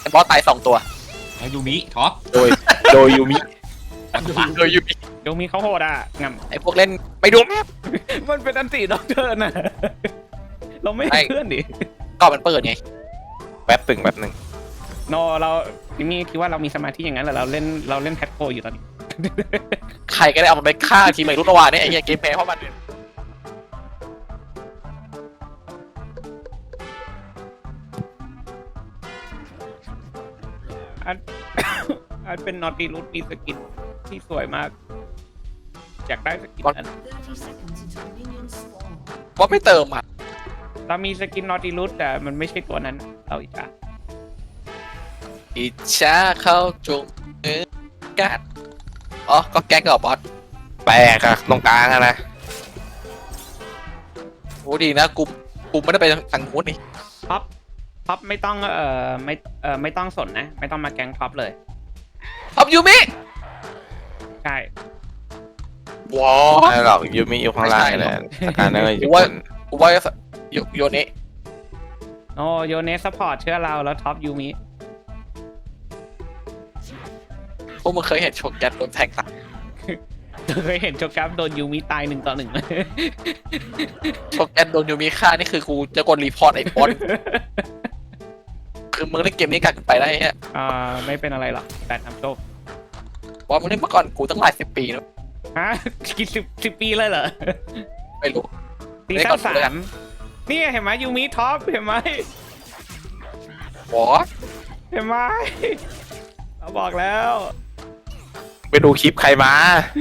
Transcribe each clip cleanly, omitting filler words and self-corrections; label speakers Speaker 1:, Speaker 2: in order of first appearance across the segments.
Speaker 1: บอสตาย2 ตัว
Speaker 2: แล้วยูมิท็อป
Speaker 3: โดยยูมิ
Speaker 1: โดยยูมิ
Speaker 4: ยูมิเขาโหดอ่ะง
Speaker 1: ไอ้พวกเล่นไม่ดูแมพ
Speaker 4: ำมันเป็นอันติด็อกเตอร์น่ะเราไม่
Speaker 1: ไม่
Speaker 4: ให้เพื่อนดิ
Speaker 1: ก็มันเปิดไง
Speaker 3: แป๊บหนึ่ง
Speaker 4: โนเราพี่มีคิดว่าเรามีสมาธิอย่างนั้นเหรอเราเล่นแพทโคอยู่ตอนนี้
Speaker 1: ใครก็ได้เอามันไปฆ่าทีมไอ้รุ่นวานเนี่ยไอ้เหี้ยเกมแพ้เพราะมันเนี่ย
Speaker 4: อัน อันเป็นนอตติลูสมีสกินที่สวยมากอยากได้สกินนั้น
Speaker 1: บอสไม่เติมอ่ะ
Speaker 4: เรามีสกินนอตติลูสแต่มันไม่ใช่ตัวนั้นเราอีกอ่ะ
Speaker 1: อิจฉาเขาจงเนื้อกัดอ๋อก็แก๊กกับบอส
Speaker 3: แปลกอะตรงกลางอะนะ
Speaker 1: โอ้ดีนะกูไม่ได้ไปทางนู้นนี่
Speaker 4: ท็อปไม่ต้องไม่ต้องสนนะ ไม่ต้องมาแกงท็อปเลย
Speaker 1: ท็อปยูมิ
Speaker 4: ใช่
Speaker 1: ว้า
Speaker 3: ไม่หรอกยูมิอยู่ข้างล่างเลยอาการนั่นเลยอยู่บน
Speaker 1: กูว่าโยเนะ
Speaker 4: โอ้โยเนสซัพพอร์ตเชื่อเราแล้วท็อปยูมิ
Speaker 1: พวกมึงเคยเห็นโชกแกตโดนแทงตาย
Speaker 4: เคยเห็นโจกราฟโดนยูมิตาย1-1ไหม
Speaker 1: โชกแกตโดนยูมิฆ่านี่คือกูจะกดรีพอร์ตไอ้บอสคือมึงเล่นเกมนี้กัดไปได้ฮะ
Speaker 4: ไม่เป็นอะไรหรอกแต่ทำโชค
Speaker 1: บอสมึงเล่นเมื่อก่อนกูตั้งหลาย10 ปีแล้ว
Speaker 4: ฮะกี่สิบปีเลยเหรอ
Speaker 1: ไม่รู้
Speaker 4: ซีซั่น3นี่เห็นไหมยูมิท็อปเห็นไหม
Speaker 1: บอส
Speaker 4: เห็นไหมเราบอกแล้ว
Speaker 3: ไปดูคลิปใครมา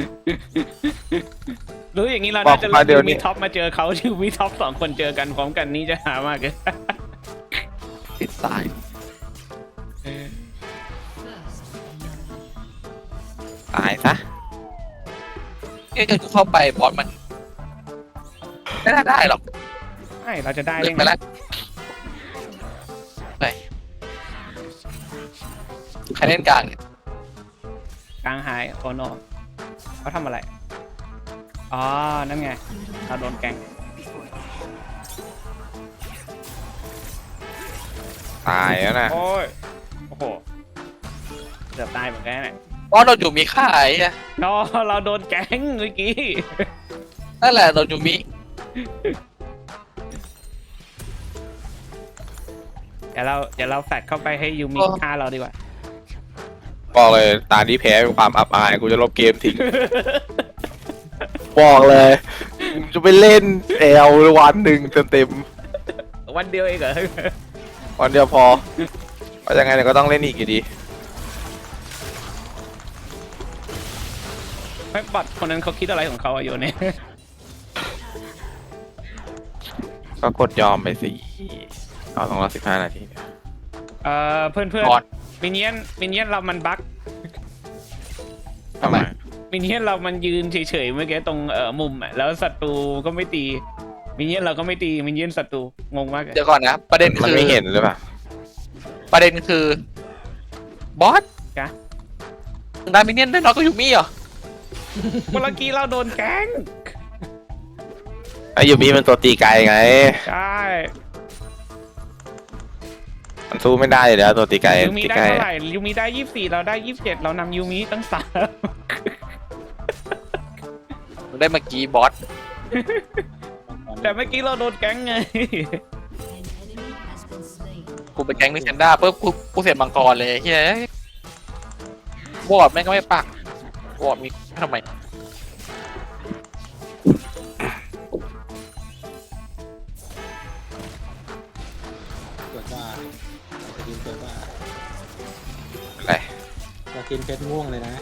Speaker 4: รู้อย่างนี้เรา
Speaker 3: บอก
Speaker 4: น่าจะ
Speaker 3: มา
Speaker 4: รู้
Speaker 3: เดี๋ยว
Speaker 4: ยู
Speaker 3: นี้
Speaker 4: มิท็อปมาเจอเขายูมิท็อป2 คนเจอกันพร้อมกันนี่จะหามากเลย
Speaker 1: ติดตาย
Speaker 3: ตายซะ
Speaker 1: เอ้ยกูเข้าไปบอสมันไม่น่าได้หรอก
Speaker 4: ไม่เราจะได้
Speaker 1: เล่
Speaker 4: ยั
Speaker 1: น
Speaker 4: ง
Speaker 1: ไป
Speaker 4: ไง
Speaker 1: แล้วไปใครเล่นกลางเนี่ย
Speaker 4: กลางหายโอโนเขาทำอะไรอ๋อนั่นไงเราโดนแกง
Speaker 3: ตายแล้วนะ
Speaker 4: โอ้ยโอ้โหเกือบตายเหมือนกันเนี่ย
Speaker 1: บอสโดนยูมิฆ่าไอ้เนี่ย
Speaker 4: เราโดนแก๊งเมื่อกี้
Speaker 1: นั่นแหละโดนยูมิ
Speaker 4: เดี๋ยวเราแฟดเข้าไปให้ยูมิฆ่าเราดีกว่า
Speaker 3: บอกเลยตาที่แพ้เป็นความอับอายกูจะลบเกมทิ้ง บอกเลยจะไปเล่นวันหนึ่งเต็ม
Speaker 4: วันเดียวเองเหรอ
Speaker 3: ๆวันเดียวพอเพราะยังไงเนี่ยก็ต้องเล่นอีกอยู่ดี
Speaker 4: ไม่บอดคนนั้นเขาคิดอะไรของเขาอะโยเนี่ย
Speaker 3: ก็กดยอมไปสิเอา215 นาทีเนี่ย
Speaker 4: เพื่อน
Speaker 1: บอส
Speaker 4: มินเนี่ยนเรามันบั๊ก
Speaker 1: ทำไม
Speaker 4: มินเนี่ยนเรามันยืนเฉยๆเมื่อกี้ตรงมุมอะแล้วศัตรูก็ไม่ตีมินเนี่ยนเราก็ไม่ตีมินเนี่ยนศัตรูงงมากเลย
Speaker 1: เดี๋ยวก่อนนะประเด็น
Speaker 3: มัน
Speaker 1: คือ
Speaker 3: ไม่เห็นหรือเปล่า
Speaker 1: ประเด็นคือบอส
Speaker 4: จ้ะ
Speaker 1: ดามิเนียนได้น้อยก็ยูมิเหรอ
Speaker 4: เมื่อกี้เราโดนแก๊ง
Speaker 3: ไอ้ยูมิมันตัวตีไกลไง
Speaker 4: ใช่
Speaker 3: มันสู้ไม่ได้อยู่แล้วตัวตีไกล
Speaker 4: ยูมิ
Speaker 3: ตี
Speaker 4: ได้
Speaker 3: ไกล
Speaker 4: เท่าไหร่ยูมิได้24เราได้27เรานำยูมิตั้ง3
Speaker 1: มึงได้เมื่อกี้บอส
Speaker 4: แต่เมื่อกี้เราโดนแก๊งไง
Speaker 1: กูไปแก๊งมิเซนด้าปุ๊บกูเสียมังกรเลยเฮ้ยบอสแม่งก็ไม่ปักบอสมีทำไม
Speaker 5: เกิดว่าจะกินเกิดว่า
Speaker 3: อะไร
Speaker 5: จะกินเพชรม่วงเลยนะ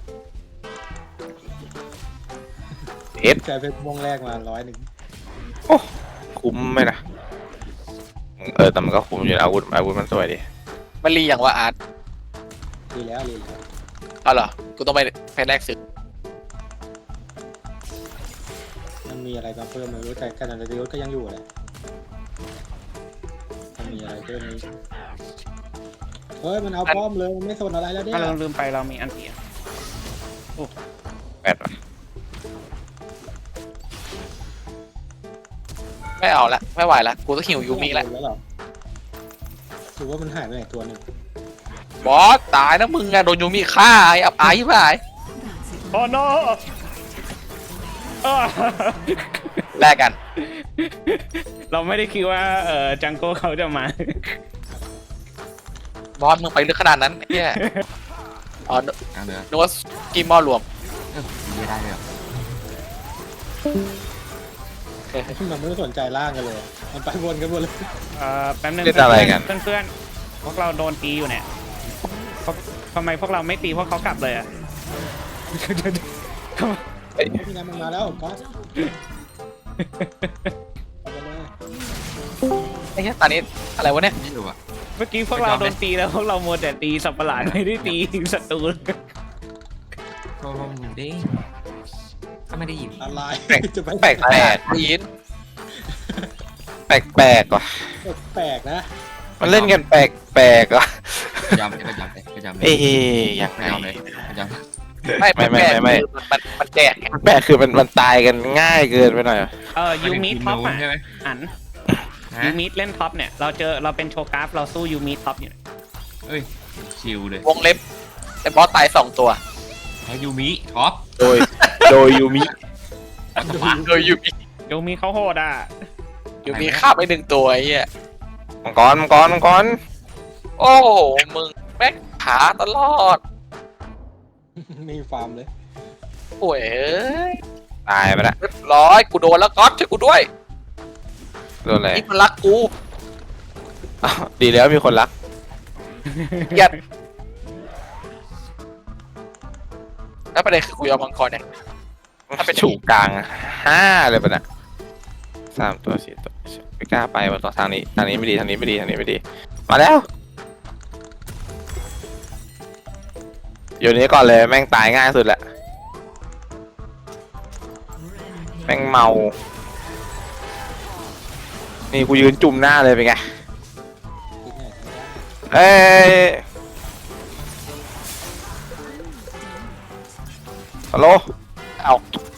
Speaker 3: เอฟ
Speaker 5: ใช้เพชรม่วงแรกมา100
Speaker 3: คุ้มไหมนะแต่มันก็คุ้มอยู่นะอาวุธมันสวยดิ
Speaker 1: มันรีอย่างว่าอาร์ต
Speaker 5: ดีแล้วดีแล้ว
Speaker 1: เอาเหรอกูต้องไปแลกซื้อ
Speaker 5: มันมีอะไรมาเพิ่มไม่รู้แต่ขนาดยศก็ยังอยู่เลยมันมีอะไรเพิ่มนี้เฮ้ยมันเอาป้อมเลยมันไม่สนอะไรแล้วเนี่ย
Speaker 4: ถ้าเราลืมไปเรามีอันเตีย
Speaker 3: แปดว่ะ
Speaker 1: ไม่เอาละไม่ไหวละกูต้องหิวยูมิละ
Speaker 5: แล้วเหรอหรือว่ามันหายไปไหนตัวหนึ่ง
Speaker 1: บอสตายนะมึงอะโดนยูมิฆ่าไอ้อับอายไป
Speaker 4: โอ้โน
Speaker 1: แลกกัน
Speaker 4: เราไม่ได้คิดว่าจังโก้เขาจะมา
Speaker 1: บอสมึงไปลึกขนาดนั้นเฮียอ๋อ
Speaker 2: กลางเรือ
Speaker 1: นึกว่ากิมมอลรวม
Speaker 2: ไม่ได้เลยเหรอ
Speaker 5: มันไม่สนใจล่างกันเลย มันไปวนกันหมดเลย
Speaker 4: แป๊บนึง
Speaker 3: เล่นอะไรกัน
Speaker 4: เพื่อนๆพวกเราโดนตีอยู่เนี่ยทำไมพวกเราไม่ตีพวกเขากลับเลยอ่ะ
Speaker 5: พี่น้ำมันมาแล้วก๊อตเอาไปเลย
Speaker 1: ไอ้เหี้ยตอนนี้อะไรวะเนี่ย
Speaker 2: ไม่รู้อ่ะ
Speaker 4: เมื่อกี้พวกเราโดนตีแล้วพวกเราโมวแต่ตีสัตว์ประหลาดไม่ได้ตีศัตรู
Speaker 2: โทรลงเด้งก็ไม่ได้ยิน
Speaker 5: อะไร จะไป
Speaker 3: แปลก
Speaker 1: แปดยิน
Speaker 3: แปลกแปลกว่ะ
Speaker 5: แปลกนะ
Speaker 3: มันเล่นกันแปลกแปลกว่ะ
Speaker 2: ยำเลยก็ยำเลยก็ยำเลย
Speaker 3: เอ๊ยยังไง
Speaker 2: ไม่เอาเลยก็ยำ
Speaker 1: ไม่
Speaker 3: ไม่
Speaker 1: คือมันแจกไง
Speaker 3: แปลกคือมันตายกันง่ายเกินไปหน่อยอะ
Speaker 4: ยูมิท็อปอ่ะ
Speaker 2: ใช่ไหม
Speaker 4: อัน
Speaker 2: ฮะ
Speaker 4: ยูมิเล่นท็อปเนี่ยเราเป็นโชกราฟเราสู้ยูมิท็อปอยู่เนี่ย
Speaker 2: เอ้ยชิลเลยว
Speaker 1: งเล็บแต่บอสตาย2 ตัว
Speaker 2: แพ้ยูมิท็อป
Speaker 3: โดยยูมิ
Speaker 2: วัตถุ
Speaker 1: โดยยูมิ
Speaker 4: ยูมิเขาโหดอ่ะ
Speaker 1: ยูมิฆ่าไป1 ตัวไอ้เหี้ย
Speaker 3: มังกรมังกรมังกร
Speaker 1: โอ้โหมึงแม่งขาตลอด
Speaker 5: นี่ฟาร์มเลย
Speaker 1: ป่วยเอ้ย
Speaker 3: ตายไปละ
Speaker 1: เรียบร้อยกูโดนแล้วก๊อตช่วยกูด้วย
Speaker 3: โดนอะไร
Speaker 1: นี่มันรักกู
Speaker 3: อ้าวดีแล้วมีคนรัก
Speaker 1: เกลียดแล้วประเด็นคือกูยอมมังกรเนี่ย ถ้าเป็น
Speaker 3: ถูกกลาง5เลยปะน่ะ3 ตัว4 ตัวไม่กล้าไปมาต่อทางนี้ไม่ดีทางนี้ไม่ดีทางนี้ไม่ดี มาแล้วอยู่นี้ก่อนเลยแม่งตายง่ายสุดแหละแม่งเมา นี่กูยืนจุ่มหน้าเลยเป็นไง
Speaker 5: คิดไง
Speaker 3: เอ้ยฮัลโหล
Speaker 1: เอา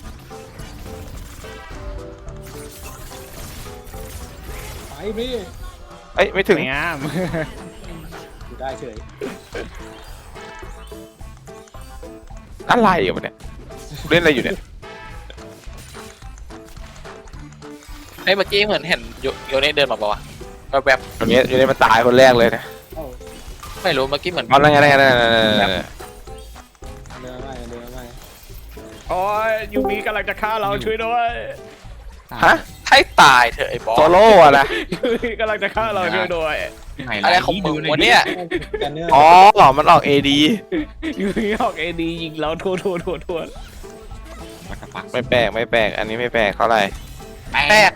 Speaker 5: ไปพี่
Speaker 3: เอ้ยไม่ถึง
Speaker 4: สวยงาม
Speaker 5: อยู่ได้เฉย
Speaker 3: อะไรอยู่เนี่ยเล่นอะไรอยู่เนี่ย
Speaker 1: ไอ้ยเมื่อกี้เหมือนเห็นโยเน่เดินมาปะวะแบบ
Speaker 3: อยู่นี่มันตายคนแรกเลยนะ
Speaker 5: เอ้า
Speaker 1: ๆไม่รู้เมื่อกี้เหมือน
Speaker 3: เอาแล้วไง
Speaker 5: เดินมาไม่
Speaker 4: โอ้ยยูมิกำลังจะฆ่าเราช่วยด้วย
Speaker 3: ฮะ
Speaker 1: ให้ตายเถอะไอ้บอส
Speaker 3: โซโล่อะนะ
Speaker 4: ยูมิกำลังจะฆ่าเราช่วยด้วย
Speaker 2: ไฮไล
Speaker 1: อะไร
Speaker 2: ท์
Speaker 1: ของมึง
Speaker 2: ดูหน่อ
Speaker 1: วะ
Speaker 2: ย
Speaker 1: เนี่ย
Speaker 5: แกนเนอร์
Speaker 3: อ๋อมันออก AD
Speaker 4: ยูมิออกเอดียิงเราทัวร์
Speaker 2: วัตถุปัก
Speaker 3: ไม่แปลกไม่แปลกอันนี้ไม่แปลกเท่าไหร่
Speaker 1: แปลก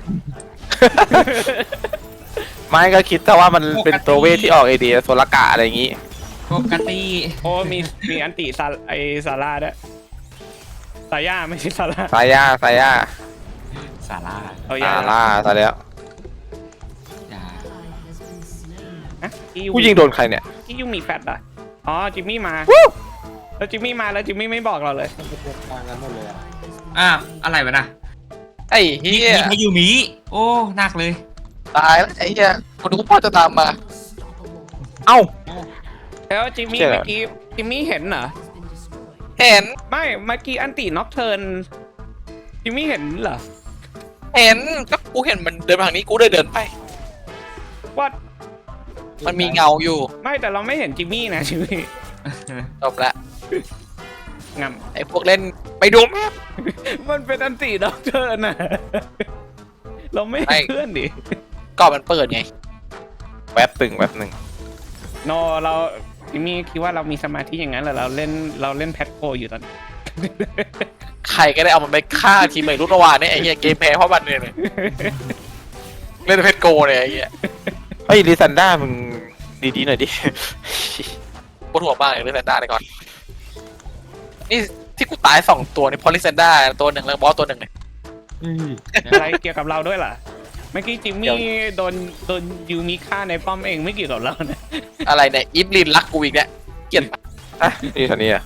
Speaker 3: ไม่ก็คิดแต่ว่ามันเป็นตัวเวทที่ออก AD โซลกะอะไรอย่างงี้
Speaker 2: ปกติ
Speaker 4: โอ้มีอันติซาร่าด้วยซาย่าไม่ใช่ซาร่า
Speaker 3: สายา
Speaker 2: สารา
Speaker 4: เอา
Speaker 3: ซา
Speaker 4: ย่า
Speaker 3: ร่าซะแล้ว
Speaker 2: อย่า
Speaker 4: ฮะ
Speaker 3: ผู้ยิงโดนใครเนี่ย
Speaker 4: ที่ยูมิแฟตอ่ะอ๋อจิมมี่มาแล้วจิมมี่มาแล้วจิมมี่ไม่บอกเราเลย
Speaker 5: มันเป็นทางกันหมดเลยอ่ะ
Speaker 2: อ้าวอะไรวะน่ะ
Speaker 1: ไอ้เฮีย
Speaker 2: มีแพ้ยูมิโอ้หนักเลย
Speaker 1: ตายแล้วไอ้เฮียคนดูพ่อจะตามมา
Speaker 3: เอ้า
Speaker 4: แล้วจิมมี่
Speaker 3: เจ๋อ
Speaker 4: เมื่อกี้จิมมี่เห็นเหรอ
Speaker 1: เห็น
Speaker 4: ไม่เมื่อกี้อันติน็อกเทิร์นจิมมี่เห็นเหรอ
Speaker 1: เห็นก็กูเห็นมันเดินมาทางนี้กูเลยเดินไป
Speaker 4: ว่า
Speaker 1: มันมีเงาอยู่
Speaker 4: ไม่แต่เราไม่เห็นจิมมี่นะจิมมี่
Speaker 1: จบละ
Speaker 4: งำ
Speaker 1: ไอ้พวกเล่นไปดูแม่
Speaker 4: มันเป็นอันติน็อกเทิร์นน่ะเราไม่เห็นเพื่อนดิ
Speaker 1: ก่อนมันเปิดไง
Speaker 3: แป๊บหนึ่ง
Speaker 4: โนเราจิมมี่คิดว่าเรามีสมาธิอย่างนั้นเหรอเราเล่นแพทโกอยู่ตอนนี้
Speaker 1: ใครก็ได้เอามันไปฆ่าทีมใหม่รุ่นระหว่างเนี่ยไอ้เหี้ยเกมแพ้เพราะมันเนี่ยเลยเล่นเพชรโกเลยไอ้เหี้ย
Speaker 3: เฮ้ยลิซันด้ามึงดีๆหน่อยดิ
Speaker 1: ปวดหัวมากเลยเล่นแซนด้าเลยก่อนนี่ที่กูตาย2 ตัวนี่พอลิแซนด้าตัวหนึ่งแล้วบอสตัวหนึ่งเลย
Speaker 4: อะไรเกี่ยวกับเราด้วยล่ะเมื่อกี้จิมมี่โดนยูมิฆ่าในป้อมเองไม่เกี่ยวกับเรานะ
Speaker 1: อะไรเนี่ยอิฟลินรักกูอีกเนี่ยเกลียด
Speaker 3: อ่ะนี่สันนี่อ่ะ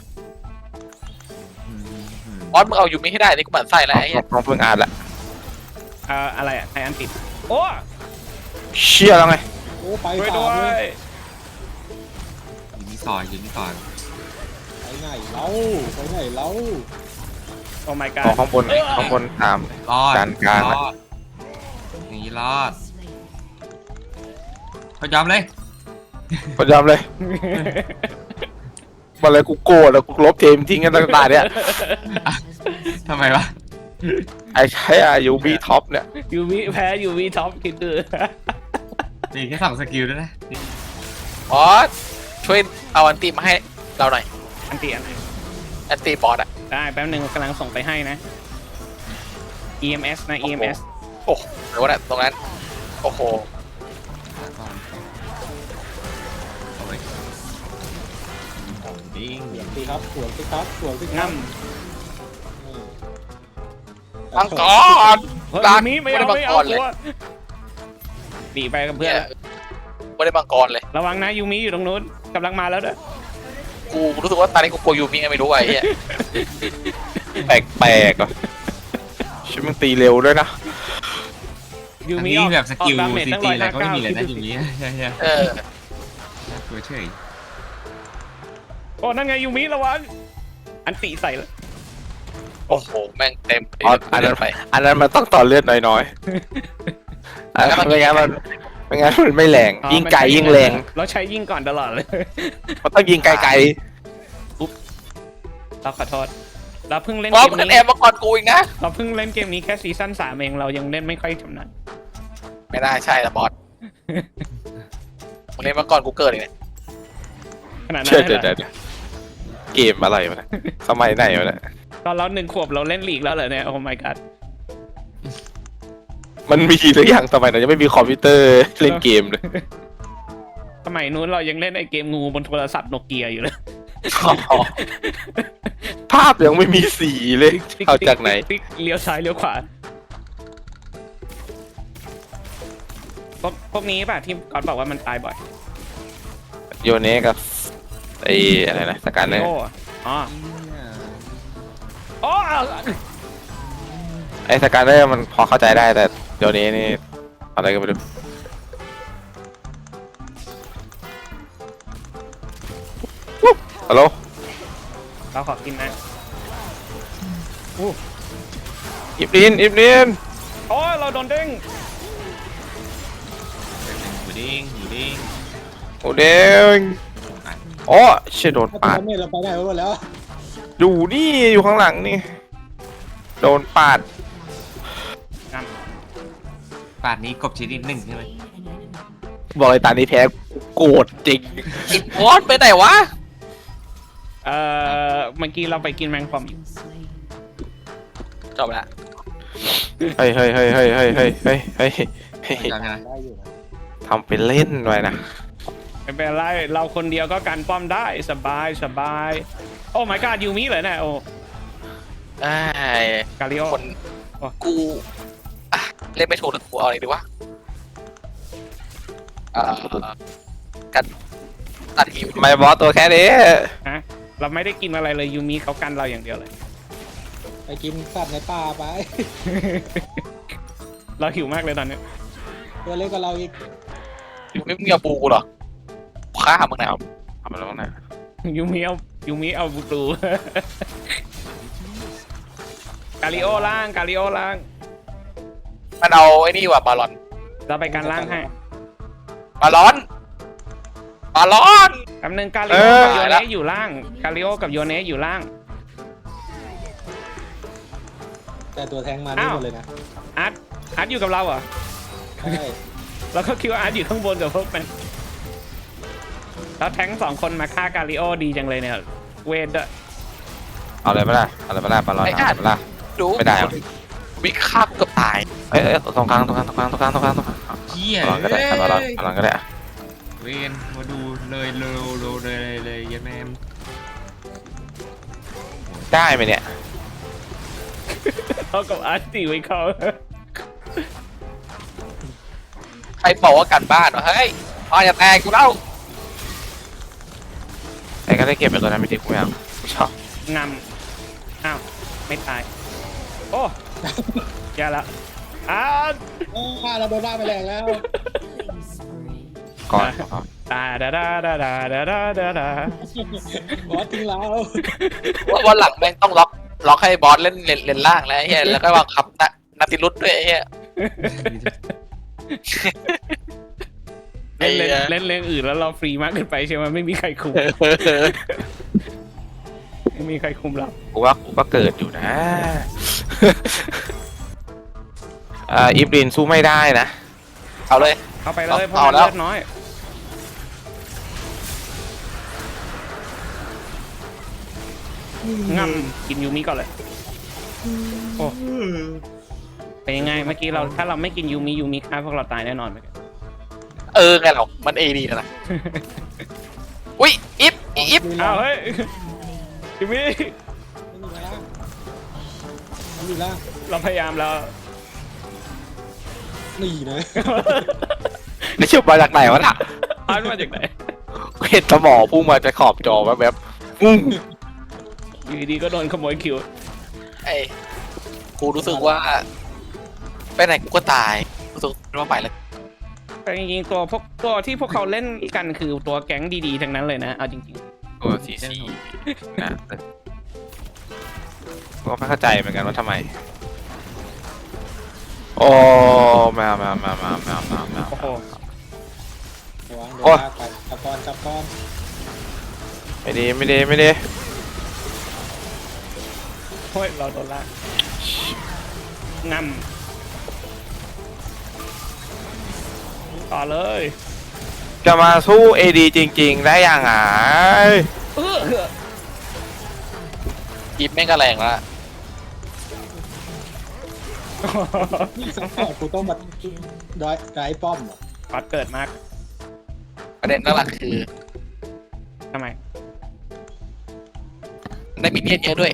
Speaker 1: บอสมึงเอาอยู่ไม่ให้ได้นี่กูหมั่นไส้แล้วไอ้เหี้ย
Speaker 3: ต้องเพิ่งอ่านละ
Speaker 4: อะไรอะไออันติโอ้
Speaker 3: เชี่ยแล้วไง
Speaker 5: โอ้ไป
Speaker 4: ช่วย
Speaker 5: สา
Speaker 4: ด้
Speaker 5: ม
Speaker 4: ว
Speaker 5: เลย
Speaker 4: ย
Speaker 2: ยูมิที่ซอยอยู่นี่ก่อน
Speaker 5: ไปไหนเล่าไปไหนเล่า
Speaker 4: โอ้ my
Speaker 3: ขอ
Speaker 4: god
Speaker 3: ข้างบนตาม
Speaker 2: รอด
Speaker 3: จานกลาง
Speaker 2: รอดอย่างนี้รอดเขายอมเลย
Speaker 3: พยายามเลยมาเลยกูโกรธแล้วกูลบเกมทิ้งกันตั้งแต่เนี่ย
Speaker 2: ทำไมวะ
Speaker 3: ไอ้ใช้อายุบีท็อปเนี่ย
Speaker 4: ยูวิแพ้ยูวิท็อปคิดดู
Speaker 2: นี่แค่2 สกิลด้วยนะ
Speaker 1: บอสช่วยเอาอันตีมาให้เราหน่อย
Speaker 4: อันตีอัน
Speaker 1: อันตีบอสอะ
Speaker 4: ได้แป๊บหนึ่งกำลังส่งไปให้นะ EMS นะ EMS
Speaker 1: โอ้โหเดี๋ยวนะตรงนั้นโอ้โห
Speaker 2: เอาไว้ดิ้ง
Speaker 5: สวนสิครับสวนสิครับสวนสิค
Speaker 4: งั
Speaker 5: รับ
Speaker 1: มังกร
Speaker 4: เฮ้ย
Speaker 1: รัก
Speaker 4: ยูมิไม่เอา
Speaker 1: ไม่
Speaker 4: ไม่
Speaker 1: ได้
Speaker 4: เอา
Speaker 1: มังกรเลย
Speaker 4: ตัวหนีไปกับเพื่
Speaker 1: เนี่
Speaker 4: อน
Speaker 1: ยไม่ได้มังกรเลย
Speaker 4: ระวังนะยูมิอยู่ตรงนู้นกำลังมาแล้วเด้อ
Speaker 1: กูรู้สึกว่าตอนนี้กูกลัวยูมิไงไม่รู้ไอ้เหี้ย
Speaker 3: แปลกๆอ่ะชิมันตีเร็วด้วยนะ
Speaker 4: ยู
Speaker 2: อัน
Speaker 4: มิ
Speaker 2: นี้
Speaker 4: ออก
Speaker 2: แบบสกิล
Speaker 4: ออดาเมจ
Speaker 2: ซี
Speaker 4: ตั้ง
Speaker 2: ตี
Speaker 4: ร้อย
Speaker 2: อะไร
Speaker 4: ห้า
Speaker 2: ก็ไม่
Speaker 4: เก้า
Speaker 2: มีเลยนะ
Speaker 4: คิด
Speaker 2: อ
Speaker 4: ดู
Speaker 2: ย่าง
Speaker 4: สิ
Speaker 2: นี้ใช่
Speaker 1: เออ
Speaker 2: น่ากลัวเฉย
Speaker 4: โอ้นั่นไงยูมิระวังอันติใส่แล้ว
Speaker 1: โอ้โหแม่งเต็ม
Speaker 3: อ๋ออันนั้น
Speaker 1: ไป
Speaker 3: อันนั้นมันต้องต่อเลือดน้อยๆอันนั้นไม่งั้นมันไม่แรงยิ่งไกลยิ่งแรง
Speaker 4: เราใช้ยิงก่อนตลอดเลย
Speaker 3: มันต้องยิงไกล
Speaker 4: เราขอโทษเราเพิ่งเล่น
Speaker 1: บอส
Speaker 4: เกม
Speaker 1: มึงจะแอ
Speaker 4: นี้
Speaker 1: บมาก่อนกูอีกนะ
Speaker 4: เราเพิ่งเล่นเกมนี้แค่ซีซั่น3เองเรายังเล่นไม่ค่อยชำนาญ
Speaker 1: ไม่ได้ใช่ละบอสมึงเล่นมาก่อนกูเกิดอีกเนี่ย
Speaker 4: ขนาด
Speaker 3: ๆ
Speaker 4: นั้น
Speaker 3: เชื่อ
Speaker 4: เลยเหรอ
Speaker 3: เดี๋ยวเกมอะไรวะเนี่ยสมัยไหนวะเนี่ย
Speaker 4: ตอนเรา1 ขวบเราเล่นลีกแล้วเหรอเนี่ยโอ้ my god
Speaker 3: มันมีหรือยังสมัยนั้นยังไม่มีคอมพิวเตอร์เล่นเกมเลย
Speaker 4: สมัยนู้นเรายังเล่นไอเกมงูบนโทรศัพท์โนเกียอยู่เลย
Speaker 3: ภาพยังไม่มีสีเลยเอาจากไหน
Speaker 4: ติ๊กเลี้ยวซ้ายเลี้ยวขวาพวกนี้ป่ะที่ก๊อตบอกว่ามันตายบ่อย
Speaker 3: โยเนกับไอ้อะไรนะสการเนอร์
Speaker 4: โอ้อ๋ออ๋อ
Speaker 3: ไอ้สการเนอร์มันพอเข้าใจได้แต่โยเนนี่อะไรก็ไม่รู้ฮัลโหล
Speaker 4: เราขอกินนะ
Speaker 3: อิบลิน
Speaker 4: โอ้ยเราโดนเด้ง
Speaker 2: หมูดิ้งหมูดิ้ง
Speaker 3: โอ้เด้งอ๋อเชี่ยโดน
Speaker 5: ถ้า
Speaker 3: ปาด
Speaker 5: ทำเมเราไปได้หมดแล้ว
Speaker 3: อยู่นี่อยู่ข้างหลังนี่โดนปาด
Speaker 2: ป่านนี้กบชนิด1ใช่ไหม
Speaker 3: บอกเลยตานี้แพ้โกรธจริง
Speaker 1: อีกบอสไปไหนวะ
Speaker 4: เมื่อกี้เราไปกินแมงป่องอยู่
Speaker 1: จบละ
Speaker 3: เฮ้ย
Speaker 2: จำใช่ไหม
Speaker 5: ได้อยู่นะ
Speaker 3: ทำเป็นเล่นไว้นะ
Speaker 4: ไม่เป็นไรเราคนเดียวก็กันป้อมได้สบายโอ้ my god ยูมิเลยนะโอ้
Speaker 1: ไอ้
Speaker 4: กาลิโอ
Speaker 1: คนกูอ่ะเล่นไม่ถูกหรือกูเอาอะไรดีวะกันตัดหิว
Speaker 3: ทำไมบอสตัวแค่นี้
Speaker 4: ฮะเราไม่ได้กินอะไรเลยยูมิเขากันเราอย่างเดียวเลย
Speaker 5: ไปกินสัตว์ในป่าไป
Speaker 4: เราหิวมากเลยตอนนี้
Speaker 5: ตัวเล็กกว่าเราอีก
Speaker 1: ยูมิมึงอย่าปูกูเหรอฆ่ามึงนะ
Speaker 3: เอามาลงนะ
Speaker 4: ยูมิเอาบูตู กาลิโอล่าง
Speaker 1: มันเอาไอ้นี่ว่ะบาลอน
Speaker 4: เราไปกันล่างให้
Speaker 1: บาลอน
Speaker 4: กำนึงกาลิโอกับโยเนะอยู่ล่างกาลิโอกับโยเนะอยู่ล่าง
Speaker 5: แต่ตัวแทงมานี่หมดเลยนะ
Speaker 4: อาร์ตอยู่กับเราเหรอ
Speaker 5: ใช่
Speaker 4: เราก็คิดว่าอาร์ตอยู่ข้างบนกับพวกมันแล้วแทง2 คนมาฆ่ากาลิโอดีจังเลยเนี่ยเวทด้วย
Speaker 3: เอาเลยปะล่ะปาลอนเอาเลยปะล่ะ
Speaker 1: ดู
Speaker 3: ไม่ได้หรอ
Speaker 1: วิฆ่ากูเกือบตาย
Speaker 3: เอ้ยตรงกลาง
Speaker 2: เฮีย
Speaker 3: ปาลอนก็ได้ปาลอนก็ได้
Speaker 2: เวนมาดูเลยเลยยันแมม
Speaker 3: ได้ไหมเนี่ย
Speaker 4: เท่ากับอาร์ตตีไว้เขา
Speaker 1: ใครบอกว่ากันบ้านวะเฮ้ยอ๋ออย่าแตกกูเล่า
Speaker 3: แต่ก็ได้เก็บไปตัวนั้นไม่ดีกูไม่เอาชอบ
Speaker 4: งำอ้าวไม่ตายโอ้แย่ละอาร์ต
Speaker 5: เราโดนได้ไปแรงแล้ว
Speaker 3: ก่อน
Speaker 4: ดาดาดาดาดาดาดาดาดา
Speaker 5: บอสทิ้งเรา
Speaker 1: ว่าวันหลังแม่งต้องล็อกให้บอสเล่นเลนล่างแล้วไอ้เหี้ยแล้วก็บังคับนาติรุตด้วยไอ้เหี้ย
Speaker 4: เล่นเรื่องอื่นแล้วเราฟรีมากเกินไปใช่ไหมไม่มีใครคุมไม่มีใครคุมเรา
Speaker 3: กูว่าเกิดอยู่นะ อีฟลินสู้ไม่ได้นะ
Speaker 1: เอาเลย
Speaker 4: เข้าไปเลยเพราะ
Speaker 1: เอา
Speaker 4: มัน
Speaker 1: แล้ว
Speaker 4: เลือดน้อยงำกินยูมิก่อนเลยโอ้เป็นยังไงเมื่อกี้เราถ้าเราไม่กินยูมิฆ่าพวกเราตายแน่นอนไหม
Speaker 1: ไงหรอกมันเอดีนะ อุ้ยอิฟ
Speaker 4: อ้าวเฮ้ยยูมิ
Speaker 5: ไม่มีล่าง
Speaker 4: เราพยายามแล้ว
Speaker 5: นี่นะ
Speaker 3: นี่ชื่อมาจากไหนวะน่ะ
Speaker 4: อ่านมาจากไหน
Speaker 3: เห็นสมองพุ่งมาจะขอบจอแบบปุ้ง
Speaker 4: อยู่ดีๆก็โดนขโมยคิว
Speaker 1: ไอ้กูรู้สึกว่าไปไหนกูก็ตายรู้สึกว่าไปแล้ว
Speaker 4: แต่จริงๆตัวที่พวกเขาเล่นกันคือตัวแก๊งดีๆทั้งนั้นเลยนะเอาจริง
Speaker 3: ตัวซีนะก็ไม่เข้าใจเหมือนกันว่าทำไมโอ้มา
Speaker 4: ๆโอ้โห
Speaker 5: ระวังโดนลากไปจับก้อน
Speaker 3: ไม่ดี
Speaker 4: เฮ้ยเราโดนลากงำต่อเลย
Speaker 3: จะมาสู้ AD จริงๆได้ยังไง
Speaker 1: อิฟแม่งก็แรงแล้ว
Speaker 5: นี่ซัพพอร์ตกูต้องมาได้ป้อมเหรอ
Speaker 4: ปัดเกิดมาก
Speaker 1: ประเด็นหลักคือ
Speaker 4: ทำไม
Speaker 1: ได้มินเนี่ยนเยอะด้วย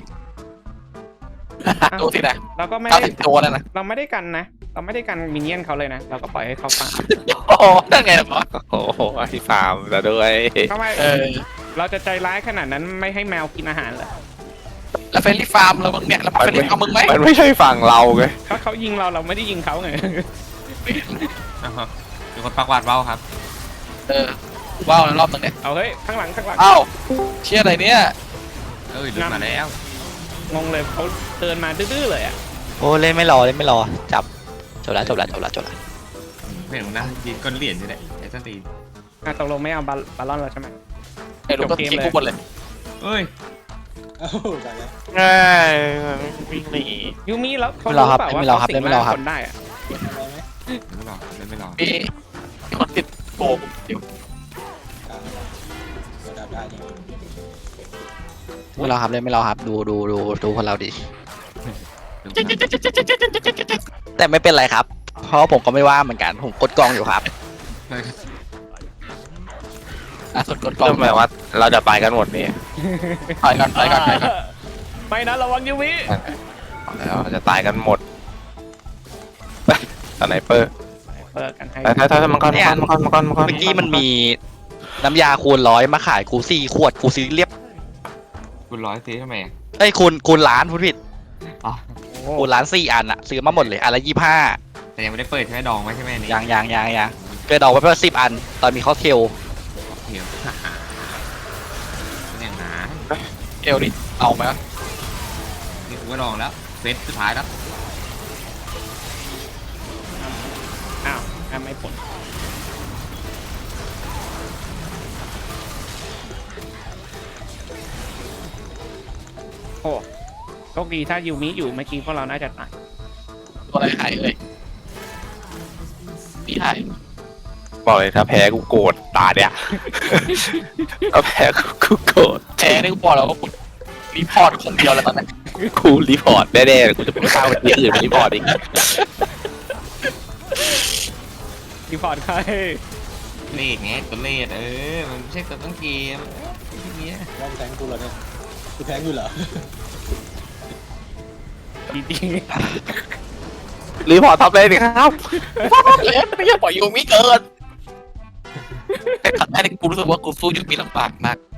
Speaker 1: ดูสินะ
Speaker 4: เราก็ไม่
Speaker 1: 90
Speaker 4: ได้
Speaker 1: ตัวแล้วนะ
Speaker 4: เราไม่ได้กันนะ เราไม่ได้กันมินเนี่ยนเขาเลยนะ เราก็ปล่อยให้เขาฟัง
Speaker 1: โอ้นั่นไงล่ะบอส
Speaker 3: โอ้โหไอ้ฟาร์มแต่ด้วย
Speaker 4: ทำไม เราจะใจร้ายขนาดนั้นไม่ให้แมวกินอาหารเหรอ
Speaker 1: แล้วเฟรนลี่ฟาร์มเราบ้างเนี่ยแล้วเฟรนลี่ฟาร์มมึงไหม
Speaker 3: มันไม่ใช่ฝั่งเราไง
Speaker 4: ถ้าเขายิงเราไม่ได้ยิงเขาไง
Speaker 2: มีคนปักวาดเบ้าครับ
Speaker 1: ว้าวรอบนึงเนี่ย
Speaker 4: เอาเฮ้ยข้างหลัง
Speaker 1: เอ้าเชี่ยอะไรเนี่ย
Speaker 2: เอ้ยลืมมาแล้ว
Speaker 4: งงเลยเขาเดินมาดื้อๆเลยอ่ะ
Speaker 6: โอ้เล่นไม่รอจับจบละ
Speaker 2: ไม่เห็นนะยืนก้นเหรียญอยู่เนี่ยไอ้สตีน
Speaker 4: ตกลงไม่เอาบาลอนเราใช่ไหม
Speaker 1: ไอ้ลูกก็ทิ้งกูหมดเลย
Speaker 2: เอ้ย
Speaker 5: เอ้าไปแล้ว
Speaker 3: ง่ายวิ่งหนี
Speaker 4: ยูมิแล้วเขา
Speaker 6: ไม่รอครับ
Speaker 4: เปล่าว่า
Speaker 6: ไม่รอครับ
Speaker 4: เขาสิง
Speaker 6: ไม่รอครับ
Speaker 4: คนได้อะ
Speaker 5: ไปไหม
Speaker 2: ไม่รอเล่นไม่รอ
Speaker 1: มีคนติดโกงอยู่
Speaker 5: กลางระดับได้ดิ
Speaker 6: ไม่รอครับเล่นไม่รอครับดูคนเราดิแต่ไม่เป็นไรครับ เพราะผมก็ไม่ว่าเหมือนกันผมกดกองอยู่ครับ
Speaker 1: สุดกดกล้อง
Speaker 3: ทำไมว่าเราจะไปกันหมดนี่
Speaker 1: ไปก่อน
Speaker 4: ไม่นะระวังยูมิ
Speaker 3: เราจะตายกันหมดสไนเปอร์
Speaker 4: เปิดกันให้
Speaker 3: ถ้ามังกร
Speaker 6: เมื่อกี้มันมีน้ำยาคูณ100มาขายกู4 ขวดกูซื้อเรียบ
Speaker 2: คุณร้อยซื้อทำไมอ่ะ
Speaker 6: เอ้ยคูณล้านพูดผิด
Speaker 2: อ๋อ
Speaker 6: คูณล้าน4 อันอะซื้อมาหมดเลยอันละ25
Speaker 2: แต่ยังไม่ได้เปิดใช่ไหมดองไว้ใช่ไหมอันนี้
Speaker 6: ยังเกิดดอกไว้เพื่อ10 อัน ตอนมีคอสเทล
Speaker 2: เหี่ยวเป็นอย่างนั้น
Speaker 1: เอลดิเอาไหม
Speaker 2: นี่กูก็ดองแล้วเซตสุดท้ายแล้ว
Speaker 4: อ้าวไม่ผลโอ้โชคดีถ้ายูมิอยู่เมื่อกี้พวกเราน่าจะตาย
Speaker 1: ตัวอะไรหายเลยนี่หาย
Speaker 3: บอกเลยถ้าแพ้กูโกรธตาเนี่ยถ้าแพ้กูโกรธ
Speaker 1: แพ้ได้กูบอกแล้วว่ากูรีพอร์ตคนเดียวแล้วตอนนี้
Speaker 3: กูรีพอร์ตแน่ๆกูจะไปฆ่าคนอื่นรีพอร์ตอีก
Speaker 4: รีพอร์ตใคร
Speaker 2: เลดไงตัวเลดมันไม่ใช่ตัวต้นเกมอย่างเงี้ย
Speaker 5: ว่ามึงแทงกูเหรอเนี่ยกูแทงอยู่เหรอ
Speaker 4: จริง
Speaker 3: รีพอร์ตท็อปเลยดิครับ
Speaker 1: เล่นไม่อยากปล่อยยูมิเกินแต่ขัดแม่กูรู้สึกว่ากูสู้ยูมิลำบากมาก